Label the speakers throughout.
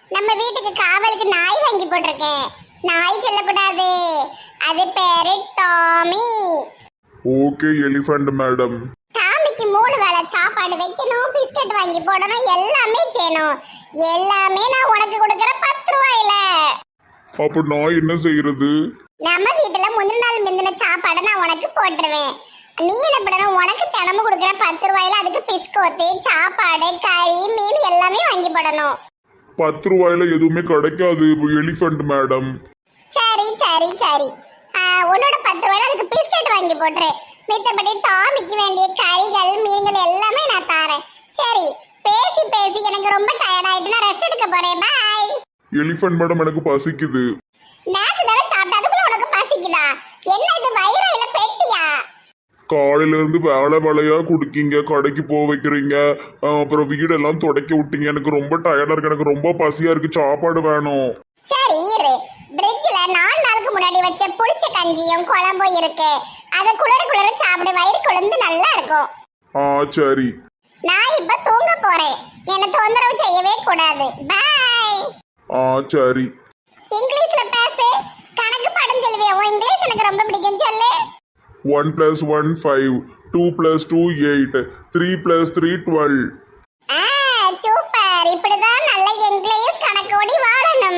Speaker 1: நம்ம வீட்டுக்கு காவலுக்கு நாய் வாங்கி போட்டிருக்கேன். நாய் சொல்லக்கூடாது, அது பேரு டாமி.
Speaker 2: Okay elephant madam.
Speaker 1: டாமிக்கு 3 வேளை சாப்பாடு வைக்கணும், பிஸ்கட் வாங்கி போடணும், எல்லாமே செய்யணும். எல்லாமே நான் உனக்கு கொடுக்கற 10 ரூபாயில.
Speaker 2: அப்ப நான் என்ன செய்யறது?
Speaker 1: நம்ம வீட்டுல முந்தின நாள் மிந்தின சாப்பாடை நான் உனக்கு போட்டுருவேன். நீ என்ன பண்ணணும், உனக்கு தினமும் கொடுக்குற 10 ரூபாயில அதுக்கு பிஸ்கோத்து, சாப்பாடு, கறி, மீன் எல்லாமே வாங்கி போடணும்.
Speaker 2: 10 ரூபாயில எதுவுமே கிடைக்காது எலிஃபண்ட் மேடம்.
Speaker 1: சரி சரி சரி, உன்னோட 10 ரூபாயில அதுக்கு பிஸ்கட் வாங்கி போட்டுரு. மித்தபடி டாமிக்கு வேண்டிய கறிகள், மீன்கள் எல்லாமே நான் தரேன். சரி, பேசி பேசி எனக்கு ரொம்ப டயர்ட் ஆயிட்டு நான் ரெஸ்ட் எடுக்க போறேன். பாய்.
Speaker 2: எலிஃபண்ட் மேடம், எனக்கு பசிக்குது.
Speaker 1: நேத்து தானே சாப்பிட்டதுக்குள்ள உனக்கு பசிக்குதா? என்ன இது, வயிறு இல்ல பெட்டியா?
Speaker 2: காலையில இருந்து வேலையா குடுக்கீங்க, கடைக்கு போக வைக்கிறீங்க, அப்புறம் வீடெல்லாம் துடைக்க விட்டீங்க. எனக்கு ரொம்ப டயர்டா இருக்கு, எனக்கு ரொம்ப பசியா இருக்கு, சாப்பாடு வேணும்.
Speaker 1: சரி இரு, பிரிட்ஜ்ல 4 நாளுக்கு முன்னாடி வச்ச புளிச்ச கஞ்சியும் குழம்பும் இருக்கு. அத குளிர சாப்பிடு, வயிறு குளிர்ந்து நல்லா இருக்கும்.
Speaker 2: சரி.
Speaker 1: நான் இப்ப தூங்க போறேன், என்ன தொந்தரவு செய்யவே கூடாது. பாய்.
Speaker 2: சரி.
Speaker 1: இங்கிலீஷ்ல பேசு, கணக்கு பாடம் சொல்லுவே. உன் இங்கிலீஷ் எனக்கு ரொம்ப பிடிக்கும், சொல்லு.
Speaker 2: 1 + 1 5, 2 + 2 8, 3 + 3 12.
Speaker 1: சூப்பர், இப்படிதான் நல்ல இங்கிலீஷ் கணக்கோடி வாழணும்.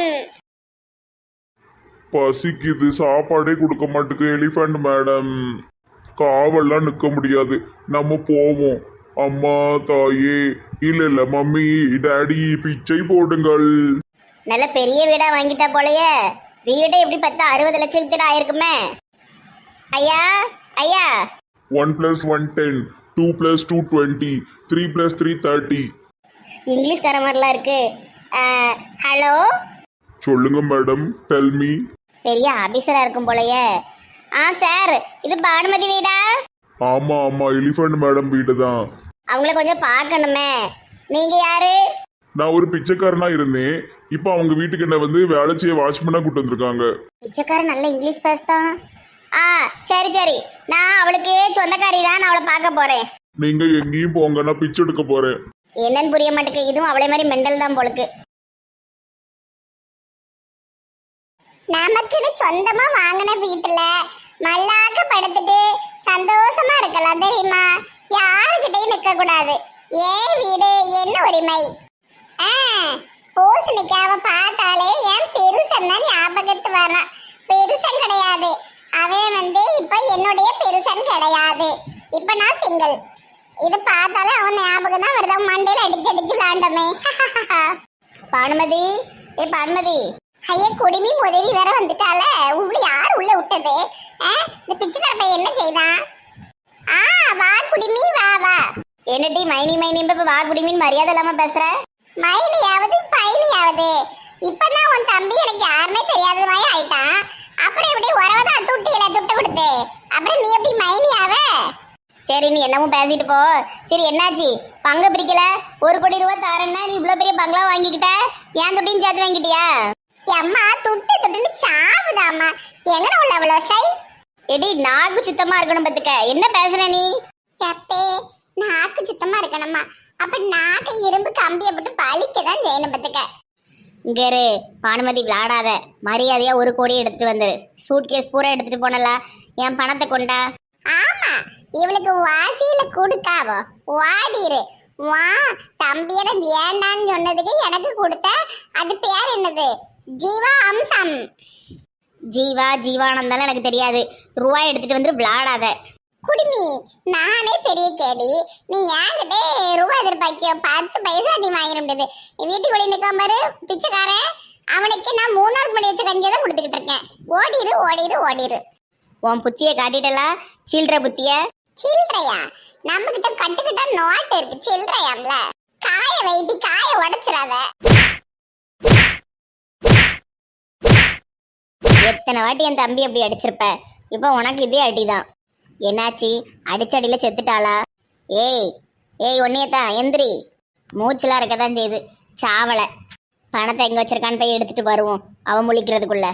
Speaker 2: பசிக்குது, சாப்பாடே கொடுக்க மாட்டேங்க எலிஃபண்ட் மேடம். காவல்லாம் நிற்க முடியாது, நம்ம போவோம். அம்மா, தாயே, இல்ல மம்மி, டாடி, பிச்சை போடுங்கள்.
Speaker 1: நல்ல பெரிய வீடா வாங்கிட்டா போலயே. வீடே எப்படி 60 லட்சத்துக்கு ஆயிருக்குமே. ஐயா ஐயா.
Speaker 2: 1 + 1 10, 2 + 2 20, 3 + 3 30.
Speaker 1: இங்கிலீஷ் தர மாதிரிலாம் இருக்கு. ஹலோ.
Speaker 2: சொல்லுங்க மேடம், டெல் மீ.
Speaker 1: பெரிய ஆபீசரா இருக்கும் போலயே. சார், இது பானுமதி வீடா?
Speaker 2: ஆமா ஆமா, எலிஃபண்ட் மேடம் வீடு தான்.
Speaker 1: அவங்கள கொஞ்சம் பார்க்கணுமே. நீங்க யாரு?
Speaker 2: நான் ஒரு பிச்சைக்காரனா இருந்தேன், இப்போ அவங்க வீட்டுக்கு என்ன வந்து வேலை செய்ய வாட்ச்மேனா கூட்டு வந்திருக்காங்க.
Speaker 1: பிச்சைக்காரன் நல்ல இங்கிலீஷ் பேசுதான். சரி சரி, நான் அவளுக்கு சொந்தக்காரி தான், நான் அவளை பார்க்க போறேன்.
Speaker 2: நீங்க எங்கேயும் போங்க, நான் பிச்சை எடுக்க போறேன்.
Speaker 1: என்னன்னு புரிய மாட்டேங்குது, இதுவும் அவளே மாதிரி மெண்டல் தான் போலுக்கு. நமக்குன்னு சொந்தமா வாங்கின வீட்டுல மல்லாக்க படுத்துட்டு சந்தோஷமா இருக்கலாம் தெரியுமா? யாருக்கிட்டையும் நிக்க கூடாது. ஏன் வீடு, என்ன உரிமை? பூசணிக்காவ பார்த்தாலே என் பெருசன் தான் ஞாபகத்து வரான். பெருசன் கிடையாது அவன், வந்து இப்ப என்னுடைய பெருசன் கிடையாது. இப்ப நான் சிங்கிள். இது பார்த்தாலே அவன் ஞாபகம் தான் வருது. மண்டையில அடிச்சு அடிச்சு விளாண்டமே. பானுமதி, பானுமதி. ஐயா, குடிமி உதவி வேற வந்துட்டால. உள்ள யார் உள்ள விட்டது? இந்த பிச்சைக்கார பையன் என்ன செய்தான்? வா குடிமி, வா வா. என்னடி மைனி மைனி வா குடிமின்னு மரியாதை இல்லாம பேசுற? மைனியாவது பைனியாவது, இப்பதான் உன் தம்பி எனக்கு யாருமே தெரியாத மாதிரி ஆயிட்டான். அப்புறம் எப்படி உறவதான் துட்டியில துட்டு கொடுத்து, அப்புறம் நீ எப்படி மைனியாவ? சரி, நீ என்னமோ பேசிட்டு போ. சரி, என்னாச்சு? பங்கு பிரிக்கல? 1 கோடி ரூபாய் தாரன்னா நீ இவ்வளவு பெரிய பங்களா வாங்கிக்கிட்ட, ஏன் துட்டின்னு சேர்த்து வாங்கிட்டியா? அம்மா, துட்டு துட்டுன்னு சாவுதாம்மா. எங்கட உள்ள அவ்வளோ சை. எடி, நாக்கு சுத்தமா இருக்கணும் பத்துக்க. என்ன பேசுற நீ? சப்பே, நாக்கு சுத்தமா இருக்கணுமா? அப்ப நாக்கு இரும்பு கம்பியை போட்டு பழிக்கதான் செய்யணும் பத்துக்க. இங்கரு பானுமதி, விளாடாத. மரியாதையா 1 கோடி எடுத்துட்டு வந்துரு. சூட்கேஸ் பூரா எடுத்துட்டு போனல, என் பணத்தை கொண்டா. ஆமா, இவளுக்கு வாசியில கொடுக்காவோ. வாடிரு. வா, தம்பியட வேண்டான்னு சொன்னதுக்கு எனக்கு கொடுத்த அது பேர் என்னது? ஜீவா அம்சம். ஜீவானந்தாலும் எனக்கு தெரியாது. ரூபாய் எடுத்துட்டு வந்து விளாடாத. குடிமி, நானே பெரிய கேடி. நீ என்கிட்ட ரூபாய் எதிர்பார்க்கியோ? 10 பைசா நீ வாங்கிட முடியாது. வீட்டுக்குள்ளே நிற்காம பாரு பிச்சைக்காரன். அவனுக்கு நான் 3 நாள் பண்ணி வச்ச கஞ்சியை தான் கொடுத்துக்கிட்டு இருக்கேன். ஓடிரு ஓடிரு ஓடிரு. உன் புத்திய காட்டிட்டலா? சில்லற புத்திய. சில்லறையா? நம்ம கிட்ட கட்டுக்கிட்ட நோட்டு இருக்கு. சில்லறையாம்ல. காய வைட்டி, காய உடைச்சிடாத. எத்தனை வாட்டி என் தம்பி அப்படி அடிச்சிருப்ப, இப்போ உனக்கு இதே அடிதான். என்னாச்சு? அடிச்சடியில செத்துட்டாளா? ஏய் ஒன்னியத்தான் எந்திரி. மூச்சுலாம் இருக்கதான் செய்யுது. சாவலை. பணத்தை எங்க வச்சிருக்கான்னு போய் எடுத்துட்டு வருவோம், அவன் முழிக்கிறதுக்குள்ள.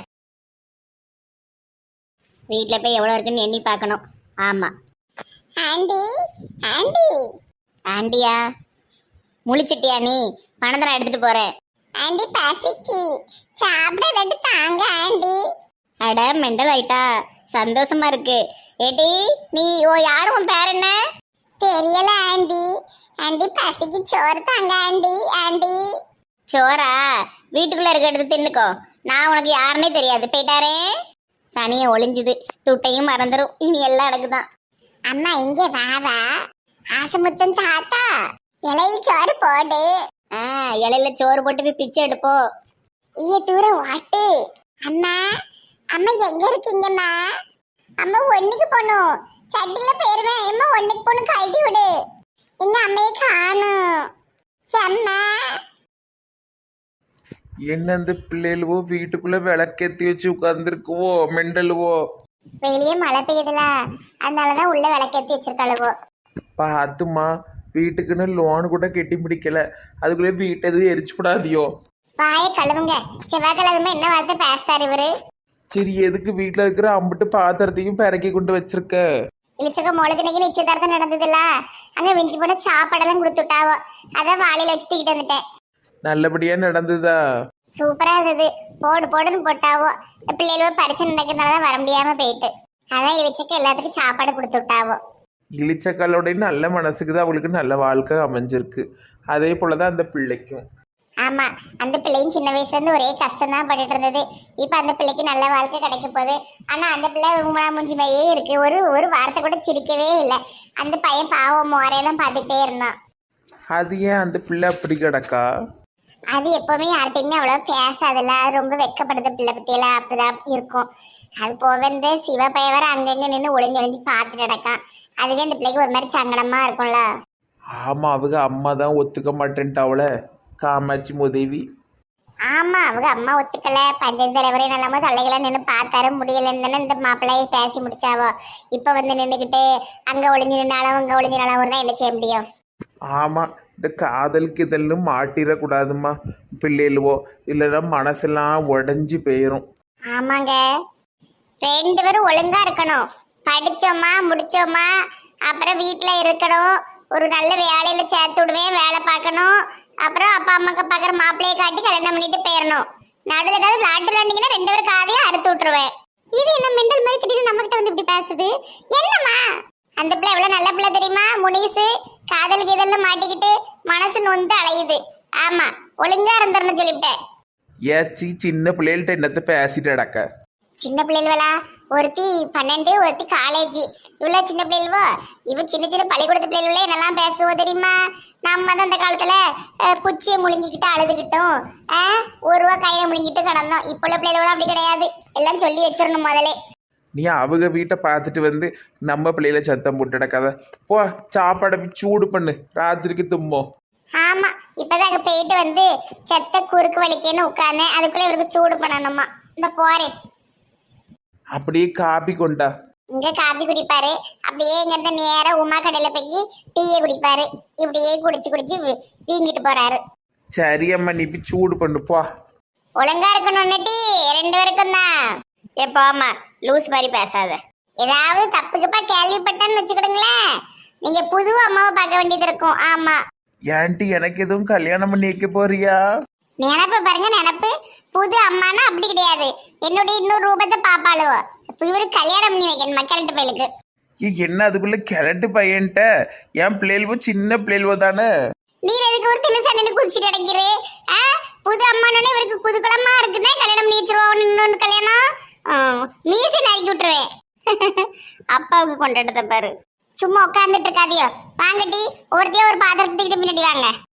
Speaker 1: வீட்டில் போய் எவ்வளோ இருக்குன்னு எண்ணி பார்க்கணும். ஆமா. Aunty aunty. ஆண்டியா? முழிச்சிட்டியா நீ? பணத்தை நான் எடுத்துட்டு போறேன். ஆண்டி பசிக்கு சாப்பிட தாங்க ஆண்டி.
Speaker 3: அட மெண்டல் ஆயிட்டா, சந்தோஷமா இருக்கு. ஏடி நீ யாரும் உன் பேர் என்ன?
Speaker 1: தெரியல ஆண்டி. ஆண்டி பசிக்கு சோறு தாங்க ஆண்டி. ஆண்டி
Speaker 3: சோரா? வீட்டுக்குள்ள இருக்கிறது தின்னுக்கோ. நான் உனக்கு யாருன்னே தெரியாது, போயிட்டாரே. சனியை ஒளிஞ்சுது, துட்டையும் மறந்துடும். இனி எல்லாம் அடக்குதான்.
Speaker 1: அம்மா இங்க வாவா. ஆசமுத்தன் தாத்தா இலையில் சோறு போடு.
Speaker 3: இலையில சோறு போட்டு போய் பிச்சை எடுப்போ.
Speaker 1: தூரம் வாட்டு. அம்மா அம்மா எங்க இருக்கீங்கம்மா? அம்மா ஒண்ணுக்கு போகணும். சட்டில போயிருவேன். அம்மா ஒண்ணுக்கு போகணும், கழட்டி விடு. எங்க அம்மையை காணும். அம்மா
Speaker 4: என்ன இந்த பிள்ளைகளுவோ வீட்டுக்குள்ள விளக்கேத்தி வச்சு உட்கார்ந்துருக்குவோ மெண்டலுவோ.
Speaker 1: வெளியே மழை பெய்யுதுல, அதனாலதான் உள்ள விளக்கேத்தி வச்சிருக்காளுவோ.
Speaker 4: பார்த்துமா, வீட்டுக்குன்னு லோன் கூட கெட்டி பிடிக்கல, அதுக்குள்ளே வீட்டை எதுவும் எரிச்சு விடாதியோ.
Speaker 1: வாயை கழுவுங்க. செவ்வாய்க்கிழமை என்ன வார்த்தை பேசுறாரு இவரு?
Speaker 4: சரி, எதுக்கு வீட்டில் இருக்கிற அம்பிட்டு பாத்திரத்தையும் பிறக்கி கொண்டு வச்சிருக்க?
Speaker 1: இளிச்சக்க மொளுக்கு இன்னைக்கு நிச்சயதார்த்தம் நடந்ததுல, அங்க விஞ்சி போன சாப்பாடெல்லாம் கொடுத்துட்டாவோ. அதான் வாளியில வச்சு தூக்கிட்டு வந்துட்டேன்.
Speaker 4: நல்லபடியா நடந்ததா?
Speaker 1: சூப்பரா இருந்தது. போடு போடுன்னு போட்டாவோ. இந்த பிள்ளைகளோட பரிச்சை நடக்கிறதுனாலதான் வர முடியாம போயிட்டு, அதான் இளிச்சக்க எல்லாத்துக்கும் சாப்பாடு கொடுத்து விட்டாவோ.
Speaker 4: இளிச்சக்காலோடைய நல்ல மனசுக்கு தான் அவளுக்கு நல்ல வாழ்க்கை அமைஞ்சிருக்கு. அதே போலதான் அந்த பிள்ளைக்கும்.
Speaker 1: ஆமா, அந்த பிள்ளையும் சின்ன வயசுல இருந்து ஒரே கஷ்டம் தான் பட்டுட்டு இருந்தது. இப்ப அந்த பிள்ளைக்கு நல்ல வாழ்க்கை கிடைக்க போகுது. ஆனா அந்த பிள்ளை மூஞ்சி மாதிரியே இருக்கு. ஒரு வார்த்தை கூட சிரிக்கவே இல்லை. அந்த பையன் பாவம் மோரையெல்லாம் பார்த்துட்டே இருந்தான்.
Speaker 4: அது ஏன் அந்த பிள்ளை அப்படி கிடக்கா?
Speaker 1: அது எப்பவுமே யார்கிட்டையுமே அவ்வளவு பேசாதுல்ல. அது ரொம்ப வெக்கப்படுத பிள்ளை பத்தியெல்லாம் அப்படிதான் இருக்கும். அது போக இந்த சிவ பையவர அங்கங்க நின்று ஒளிஞ்சு ஒளிஞ்சு பார்த்துட்டு கிடக்கான். அதுவே அந்த பிள்ளைக்கு ஒரு மாதிரி சங்கடமா இருக்கும்ல.
Speaker 4: ஆமா, அவங்க அம்மா தான் ஒத்துக்க மாட்டேன்ட்டாவல, காமாட்சி முதேவி.
Speaker 1: ஆமா, அவங்க அம்மா ஒத்துக்கல. பஞ்சாயத்து தலைவரே நல்லாம தலைகளாம் நின்று பார்த்தாரு, முடியலன்னு தானே இந்த மாப்பிள்ளையை பேசி முடிச்சாவோ. இப்ப வந்து நின்றுக்கிட்டு அங்க ஒளிஞ்சு நின்னாலும் அங்க ஒளிஞ்சு நின்னாலும் என்ன செய்ய முடியும்?
Speaker 4: ஆமா, இந்த காதலுக்கு இதெல்லாம் மாட்டிடக்கூடாதுமா பிள்ளைகளுவோ, இல்லைன்னா மனசெல்லாம் உடஞ்சி போயிடும்.
Speaker 1: ஆமாங்க, 2 பேரும் ஒழுங்கா இருக்கணும். படிச்சோமா முடிச்சோமா, அப்புறம் வீட்டுல இருக்கணும். ஒரு நல்ல வேலையில சேர்த்து விடுவேன், வேலை பார்க்கணும். அப்புறம் அப்பா அம்மாக்கு பார்க்குற மாப்பிள்ளையை காட்டி கல்யாணம் பண்ணிட்டு போயிடணும். நடுவில் ஏதாவது விளாட்டு விளாண்டிங்கன்னா 2 பேரும் காதையும் அறுத்து விட்டுருவேன். இது என்ன மெண்டல் மாதிரி திடீர்னு நம்ம கிட்ட வந்து இப்படி பேசுது? என்னம்மா அந்த பிள்ளை எவ்வளவு நல்ல பிள்ளை தெரியுமா? முனிசு காதலுக்கு இதெல்லாம் மாட்டிக்கிட்டு மனசு நொந்து அலையுது. ஆமா, ஒழுங்கா இருந்துடணும் சொல்லிவிட்டேன்.
Speaker 4: ஏச்சி, சின்ன பிள்ளைகள்கிட்ட என்னத்த பேசிட்டு அடக்க?
Speaker 1: சின்ன பிள்ளைகளா? ஒருத்தி 12, ஒருத்தி காலேஜ். இவ்வளவு சின்ன பிள்ளைகளோ? இவ சின்ன சின்ன பள்ளிக்கூடத்து பிள்ளைகளே என்னெல்லாம் பேசுவோம் தெரியுமா? நம்ம தான் அந்த காலத்துல குச்சியை முழுங்கிக்கிட்டு அழுதுகிட்டோம், 1 ரூபா கையில முழுங்கிட்டு கிடந்தோம். இப்போ உள்ள பிள்ளைகளோட அப்படி கிடையாது. எல்லாம் சொல்லி வச்சிடணும் முதலே.
Speaker 4: நீ அவங்க வீட்டை பார்த்துட்டு வந்து நம்ம பிள்ளையில சத்தம் போட்டு அடக்காத. போ, சாப்பாடை சூடு பண்ணு, ராத்திரிக்கு தும்மோ.
Speaker 1: ஆமா, இப்பதான் அங்க போயிட்டு வந்து செத்த குறுக்கு வலிக்கேன்னு உட்கார்ந்தேன். அதுக்குள்ள இவருக்கு சூடு பண்ணணுமா. இந்த போறேன்.
Speaker 4: அப்படியே காப்பி கொண்டா.
Speaker 1: இங்க காபி குடிப்பாரு, அப்படியே இங்க இருந்து நேரா உமா கடையில போய் டீயை குடிப்பாரு. இப்படியே குடிச்சு குடிச்சு வீங்கிட்டு போறாரு.
Speaker 4: சரி அம்மா, நீ போய் சூடு பண்ணு போ.
Speaker 1: ஒழுங்கா இருக்கணும் டீ 2 பேருக்கும் தான்.
Speaker 3: எப்போமா லூஸ் மாதிரி பேசாத.
Speaker 1: ஏதாவது தப்புக்குப்பா கேள்விப்பட்டேன்னு வச்சுக்கிடுங்களேன், நீங்க புது அம்மாவை பார்க்க வேண்டியது இருக்கும். ஆமா,
Speaker 4: ஏன்டி எனக்கு எதுவும் கல்யாணம் பண்ணி வைக்க போறியா?
Speaker 1: நினப்பு பாருங்க, நினப்பு. புது அம்மானா அப்படி கிடையாது, என்னுடைய இன்னொரு ரூபத்தை பாப்பாளுவோ. இப்ப இவரு கல்யாணம் பண்ணி வைக்கணும் மக்கள்கிட்ட பயிலுக்கு.
Speaker 4: என்ன அதுக்குள்ள கிழட்டு பையன்ட்ட? என் பிள்ளைவோ சின்ன பிள்ளைவோ தானே.
Speaker 1: நீர் எதுக்கு ஒரு தின்னு சண்டைன்னு குதிச்சுட்டு அடைக்கிறே? புது அம்மானோட இவருக்கு குதுகுலமா இருக்குன்னா கல்யாணம் பண்ணி வச்சிருவோம். இன்னொன்று கல்யாணம் மீசை நறுக்கி விட்டுருவேன்.
Speaker 3: அப்பாவுக்கு கொண்டாட்டத்தை பாரு.
Speaker 1: சும்மா உட்காந்துட்டு இருக்காதியோ. வாங்கட்டி ஒருத்தையோ ஒரு பாத்திரத்துக்கிட்ட முன்னாடி வாங்க.